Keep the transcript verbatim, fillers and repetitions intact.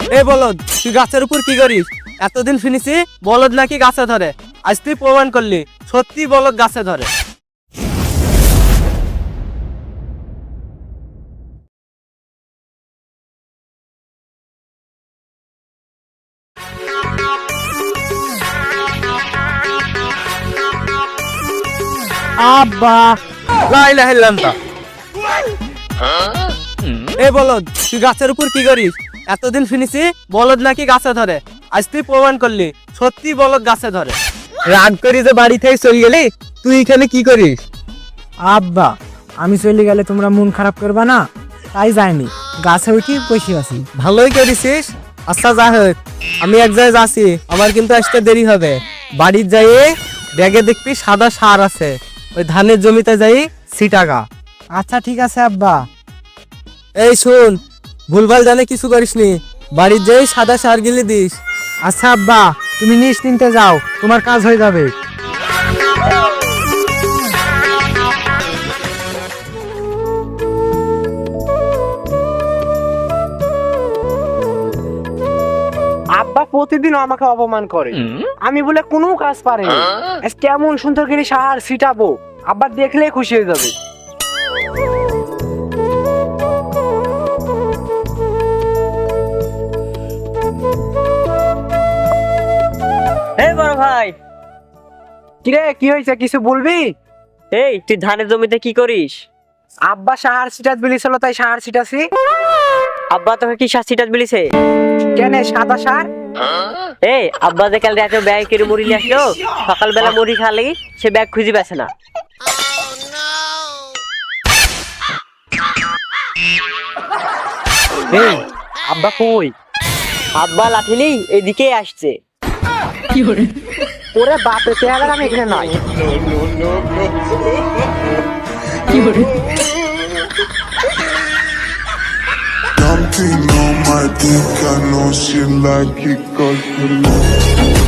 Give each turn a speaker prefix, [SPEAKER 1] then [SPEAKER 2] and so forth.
[SPEAKER 1] এ বলদ, তুই গাছের উপর কি করিস? এতদিন শুনেছি বলদ নাকি গাছে ধরে, আজ তুই প্রমাণ করলি সত্যি বলদ গাছে ধরে।
[SPEAKER 2] আব্বা
[SPEAKER 1] লা ইলাহা ইল্লাল্লাহ। এ বলদ, তুই গাছের উপর কি করিস? এতদিন শুনেছি বলদ নাকি গাছে ধরে, আজ তুই প্রমাণ করলি সত্যি বলদ গাছে ধরে। রাগ করি যে বাড়ি থেকে চলে গেলি, তুই এখানে কি করিস?
[SPEAKER 2] আব্বা আমি চলে গেলে তোমরা মন খারাপ করবা না, তাই যাইনি, গাছে উঠি বসে আছি।
[SPEAKER 1] ভালোই করেছিস। আচ্ছা যা হোক, আমি এক জায়গায় যাচ্ছি, আমার কিন্তু আসতে দেরি হবে। বাড়ির যাইয়ে ব্যাগে দেখবি সাদা সার আছে, ওই ধানের জমিতে যাই সিটাগা।
[SPEAKER 2] আচ্ছা ঠিক আছে আব্বা।
[SPEAKER 1] এই শুন, ভুলভাল জানে কিছু করিসনি, বাড়ির যাই সাদা সার গিলে দিস।
[SPEAKER 2] আচ্ছা আব্বা, তুমি নিশ্চিন্তে যাও, তোমার কাজ হয়ে যাবে। আব্বা প্রতিদিন আমাকে অপমান করে, আমি বলে কোনো কাজ পারি না। আজ কেমন সুন্দর করে সার ছিটাবো, আব্বা দেখলে খুশি হয়ে যাবে।
[SPEAKER 3] এই বড় ভাই,
[SPEAKER 2] কিরে কি হয়েছে, কিছু বলবি?
[SPEAKER 3] এই তুই ধানের জমিতে কি করিস?
[SPEAKER 2] আব্বা সার ছিটাত বলেছিল, তাই সার ছিটাছি।
[SPEAKER 3] আব্বা তোকে কি সার ছিটাত বলিছে?
[SPEAKER 2] কেন সাদা সার?
[SPEAKER 3] এই আব্বা যে কাল রাতে ব্যাগ করে মুড়ি নিয়ে আসলো, সকালবেলা মুড়ি খালি সে ব্যাগ খুঁজে পাচ্ছে না।
[SPEAKER 2] এই আব্বা কই?
[SPEAKER 3] আব্বা লাঠি নেই, এদিকে আসছে।
[SPEAKER 2] ওরে বাপে চেহারা, আমি এখানে নাই।
[SPEAKER 4] Something on my dick, I know she like it 'cause you love